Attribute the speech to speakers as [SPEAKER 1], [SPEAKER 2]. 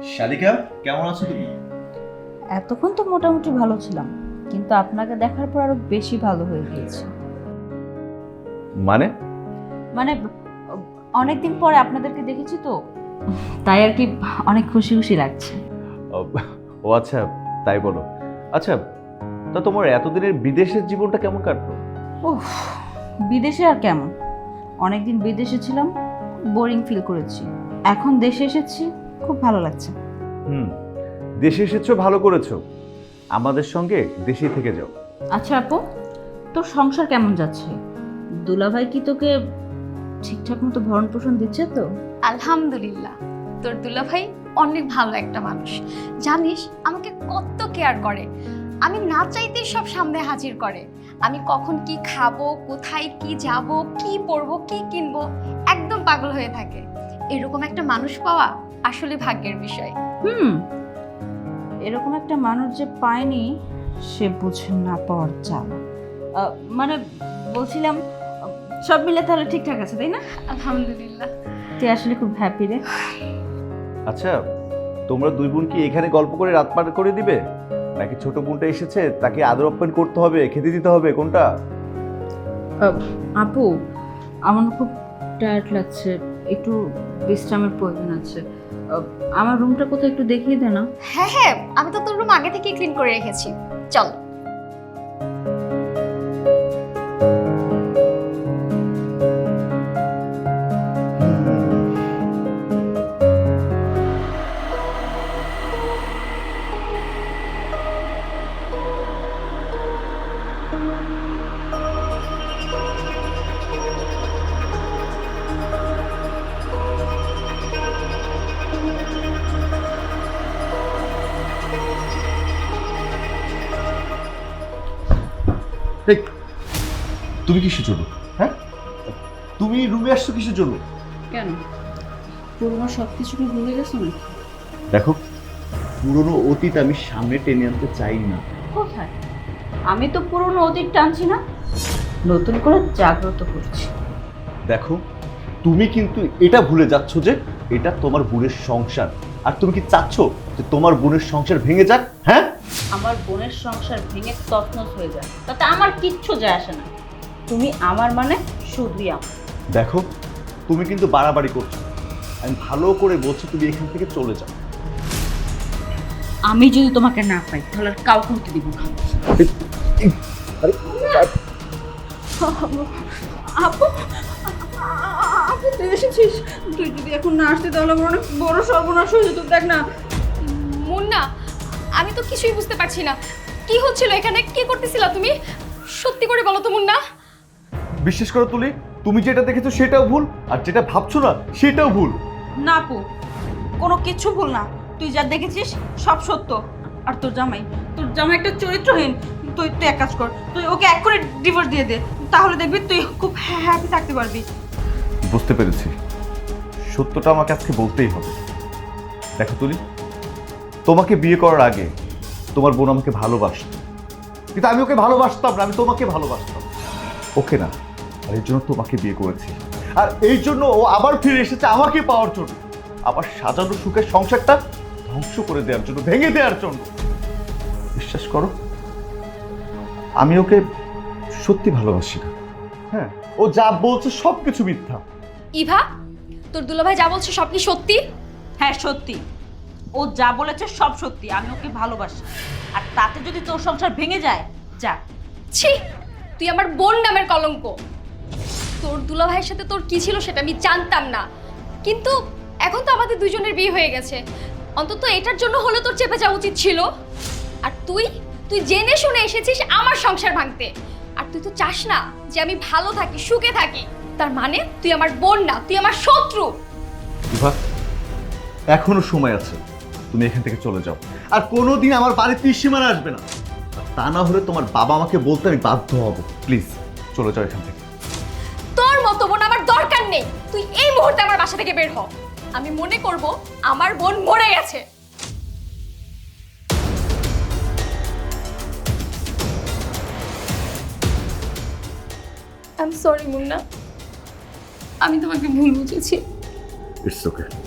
[SPEAKER 1] শালিকা, কেমন আছো তুমি?
[SPEAKER 2] এতক্ষণ তো মোটামুটি ভালো ছিলাম, কিন্তু আপনাকে দেখার পর আরো বেশি ভালো হয়ে গিয়েছে।
[SPEAKER 1] মানে?
[SPEAKER 2] মানে অনেকদিন পরে আপনাদেরকে দেখেছি তো, তাই আর কি অনেক খুশি খুশি লাগছে।
[SPEAKER 1] ও আচ্ছা, তাই বলো। আচ্ছা, তা তোমার এতদিনের বিদেশের জীবনটা কেমন কাটলো?
[SPEAKER 2] উফ, বিদেশে আর কেমন, অনেকদিন বিদেশে ছিলাম, বোরিং ফিল করেছি। এখন দেশে এসেছি, খুব ভালো লাগছে।
[SPEAKER 1] দেশে এসেছো, ভালো করেছো। আমাদের সঙ্গে দেশেই থেকে যাও।
[SPEAKER 2] আচ্ছা আপু, তোর সংসার কেমন যাচ্ছে? দুলাভাই কি তোকে ঠিকঠাক মতো ভরণ পোষণ দিচ্ছে তো?
[SPEAKER 3] আলহামদুলিল্লাহ, তোর দুলাভাই অনেক ভালো একটা মানুষ। জানিস আমাকে কত কেয়ার করে, আমি না চাইতেই সব সামনে হাজির করে। আমি কখন কি খাবো, কোথায় কি যাব, কি পরবো, কি কিনবো, একদম পাগল হয়ে থাকে। এরকম একটা মানুষ পাওয়া আসলে ভাগ্যের বিষয়।
[SPEAKER 2] এরকম একটা মানুষ যে পায়নি, সে বুঝে না পাওয়ার জ্বালা। মানে বলছিলাম, সব মিলে তাহলে ঠিকঠাক আছে তাই না?
[SPEAKER 3] আলহামদুলিল্লাহ।
[SPEAKER 2] তুই আসলে খুব হ্যাপি রে।
[SPEAKER 1] আচ্ছা, তোমরা দুই বোন কি এখানে গল্প করে রাত পার করে দিবে, নাকি ছোট বোনটা এসেছে তাকে আদর আপ্যায়ন করতে হবে, খেতে দিতে হবে, কোনটা?
[SPEAKER 2] আপু, আমার খুব টায়ার্ড লাগছে, একটু বিশ্রামের প্রয়োজন আছে। আমার রুমটা কোথাও একটু দেখিয়ে দে না।
[SPEAKER 3] হ্যাঁ হ্যাঁ, আমি তো তোর রুম আগে থেকে ক্লিন করে রেখেছি, চল।
[SPEAKER 1] এই, তুমি কিসের জন্য? হ্যাঁ, তুমি রুমে আসছো কিসের জন্য?
[SPEAKER 2] কেন, পুরোনো সব কিছু কি ভুলে গেছো না?
[SPEAKER 1] দেখো, পুরনো অতীত আমি সামনে টেনে আনতে চাই না।
[SPEAKER 2] কোথায়? আমি তো পুরোনো অতীত টানছি না, নতুন করে জাগ্রত করছি।
[SPEAKER 1] দেখো, তুমি কিন্তু এটা ভুলে যাচ্ছ যে এটা তোমার বোনের সংসার, আর তুমি কি চাচ্ছ যে তোমার বোনের সংসার ভেঙে যাক? হ্যাঁ,
[SPEAKER 2] আমার বোনের সংসার ভেঙে তছনছ হয়ে যায়, তাতে আমার কিচ্ছু যায় আসে না। তুমি আমার মানে শুধুই আমার।
[SPEAKER 1] দেখো, তুমি কিন্তু বাড়াবাড়ি করছো। আমি ভালো করে বলছি, তুমি এখান থেকে চলে যাও।
[SPEAKER 2] আমি যদি তোমাকে না পাই তাহলে আর কাউকে হতে দিব না। আপু, আপু তুই এসেছিস? তুই যদি এখন না আসতে তাহলে আমার অনেক বড় সর্বনাশ হয়ে যেত। দেখ না।
[SPEAKER 3] মুন্না, আমি তো কিছুই বুঝতে পারছি না কি হচ্ছিল এখানে, কি করতেছিলা তুমি? সত্যি করে বলো তো মুন্না।
[SPEAKER 1] বিশ্বাস করো তুলি, তুমি যেটা দেখেছো সেটাও ভুল, আর যেটা ভাবছো না সেটাও ভুল।
[SPEAKER 2] না আপু, কোনো কিছু ভুল না। তুই যা দেখেছিস সব সত্য। আর তোর জামাই একটা চরিত্রহীন। তুই তুই এক কাজ কর, তুই ওকে এক করে ডিভোর্স দিয়ে দে, তাহলে দেখবি তুই খুব হ্যাপি থাকতে পারবি।
[SPEAKER 1] বুঝতে পেরেছি, সত্যটা আমাকে আজকে বলতেই হবে। দেখো তুলি, তোমাকে বিয়ে করার আগে তোমার বোন আমাকে ভালোবাসত, কিন্তু আমি ওকে ভালোবাসতাম না, আমি তোমাকে ভালোবাসতাম। ওকে না, আর এই জন্য তোমাকে বিয়ে করেছি। আর এই জন্য ও আবার ফিরে এসেছে আমাকে পাওয়ার জন্য, আবার সাজানো সুখের সংসারটা ধ্বংস করে দেওয়ার জন্য, ভেঙে দেওয়ার জন্য। বিশ্বাস করো, আমি ওকে সত্যি ভালোবাসি না। হ্যাঁ, ও যা বলছে সবকিছু মিথ্যা।
[SPEAKER 3] ইভা, তোর দুলাভাই যা বলছে সব কি সত্যি?
[SPEAKER 2] হ্যাঁ সত্যি, ও যা বলেছে সব সত্যি। আমি ওকে ভালোবাসি, আর তাতে যদি তোর সংসার ভেঙে যায়, যা।
[SPEAKER 3] ছি, তুই আমার বোন নামের কলঙ্ক। তোর দুলাভাইয়ের সাথে তোর কি ছিল সেটা আমি জানতাম না, কিন্তু এখন তো আমাদের দুজনের বিয়ে হয়ে গেছে, অন্তত এটার জন্য হলে তোর চেপে যাওয়া উচিত ছিল। আর তুই তুই জেনে শুনে এসেছিস আমার সংসার ভাঙতে। আর তুই তো চাস না যে আমি ভালো থাকি, সুখে থাকি। তার মানে তুই আমার বোন না, তুই আমার শত্রু।
[SPEAKER 1] ইভা, এখনো সময় আছে, তুমি এখান থেকে চলে যাও। আর কোনোদিন আমার বাড়িতে সীমানা আসবে না, আর তা না হলে তোমার বাবা আমাকে বলতে আমি বাধ্য হব। প্লিজ চলে যাও এখান থেকে।
[SPEAKER 3] তোর মতো বোন আমার দরকার নেই। তুই এই মুহূর্তে আমার বাসা থেকে বের হ। আমি মনে করব আমার বোন মরে গেছে। আই এম সরি মুন্না, আমি তোমাকে ভুল বুঝেছি।
[SPEAKER 1] ইটস ওকে।